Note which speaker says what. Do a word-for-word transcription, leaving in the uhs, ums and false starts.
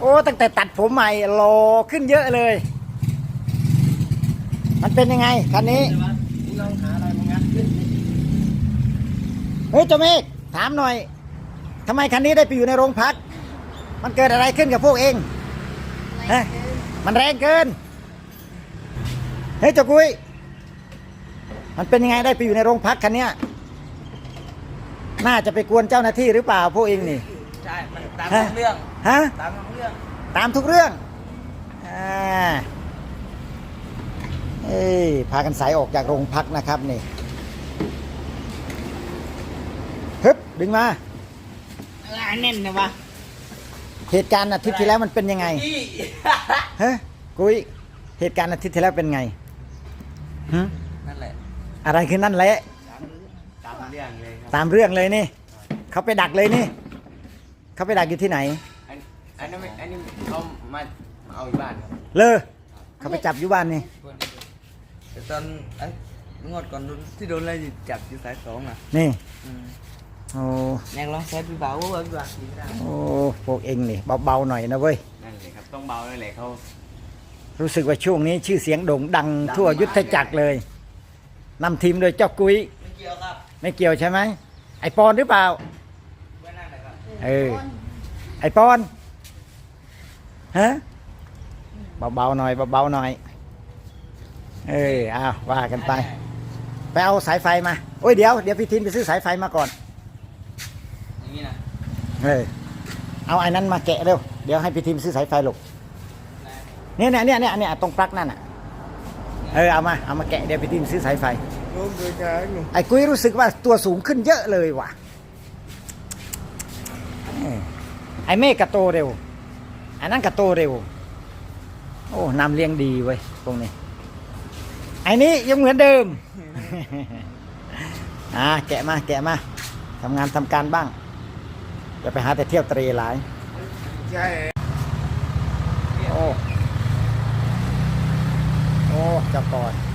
Speaker 1: อ้ตั้งแต่ตัดผมใหม่หล่อขึ้นเยอะเลย มันเป็นยังไงคันนี้
Speaker 2: ลองหาอะไรมางัดขึ้น
Speaker 1: เฮ้ยเจ้าเมฆถามหน่อยทำไมคันนี้ได้ไปอยู่ในโรงพักมันเกิดอะไรขึ้นกับพวกเองฮะมันแรงเกินเฮ้ยเจ้ากุ้ยมันเป็นยังไงได้ไปอยู่ในโรงพักคันเนี้ยน่าจะไปกวนเจ้าหน้าที่หรือเปล่าพวกเองนี่
Speaker 2: ใช่มันตามทุกเรื่อง
Speaker 1: ฮะ
Speaker 2: ตามทุกเรื่อง
Speaker 1: ตามทุกเรื่องอ่าเอ้ยพากันสายออกจากโรงพักนะครับนี่ฮึบดึงมา
Speaker 2: ลายแน่นนะวะ
Speaker 1: เหตุการณ์อาทิตย์ที่แล้วมันเป็นยังไงฮะกุ้ยเหตุการณ์อาทิตย์ที่แล้วเป็นไงฮึ
Speaker 2: นั่นแหละ
Speaker 1: อะไรคือนั่นแหละ
Speaker 2: ตามเรื่องเลยครับ
Speaker 1: ตามเรื่องเลยนี่เขาไปดักเลยนี่เขาไปดักอยู่ที่ไหน
Speaker 2: อันนี้อันนี้เขามาเอาอยู่บ้านครับ
Speaker 1: เลยเขาไปจับอยู่บ้านนี่
Speaker 2: แต่ตอนไอ้งวดก่อนที่โดนอะไรจับอยู่สายสองอ่ะ
Speaker 1: นี่โอ้
Speaker 2: ยังลองเซฟเบาๆเว้ยดี
Speaker 1: โอ้พวกเองนี่เบาๆหน่อยนะเว้ย
Speaker 2: นั่นเลยครับต้องเบาเลยแหละเขา
Speaker 1: รู้สึกว่าช่วงนี้ชื่อเสียงโด่งดังทั่วยุทธจักรเลยนำทีมโดยเจ้ากุ้ย
Speaker 2: ไม่เกี่ยวครับ
Speaker 1: ไม่เกี่ยวใช่ไหมไอปอนหรือเปล่า
Speaker 2: ไม่น่าเลยครับ
Speaker 1: เออไอปอนฮะเบาๆหน่อยเบาๆหน่อยเอออ้าวว่ากันไปไปเอาสายไฟมาโอ้ยเดี๋ยวเดี๋ยวพี่ทินไปซื้อสายไฟมาก่อน
Speaker 2: อย่างนี้นะ
Speaker 1: เออเอาไอ้นั้นมาแกะเร็วเดี๋ยวให้พี่ทินซื้อสายไฟลูกเนี่ยเนี่ยเนี่ยเนี่ยตรงปลั๊กนั่นอ่ะเออเอามาเอามาแกะเดี๋ยวพี่ทินซื้อสายไฟไอ้กุ้ยรู้สึกว่าตัวสูงขึ้นเยอะเลยว่ะไอ้เมฆกระโตเร็วอันนั้นกระโตเร็วโอ้นำเลี้ยงดีเว้ยตรงนี้ไอ้นี้ยังเหมือนเดิมอ่าแกะมาแกะมาทำงานทำการบ้างอย่าไปหาแต่เที่ยวเตะหลายใช่โอ้โอ้จับก่อน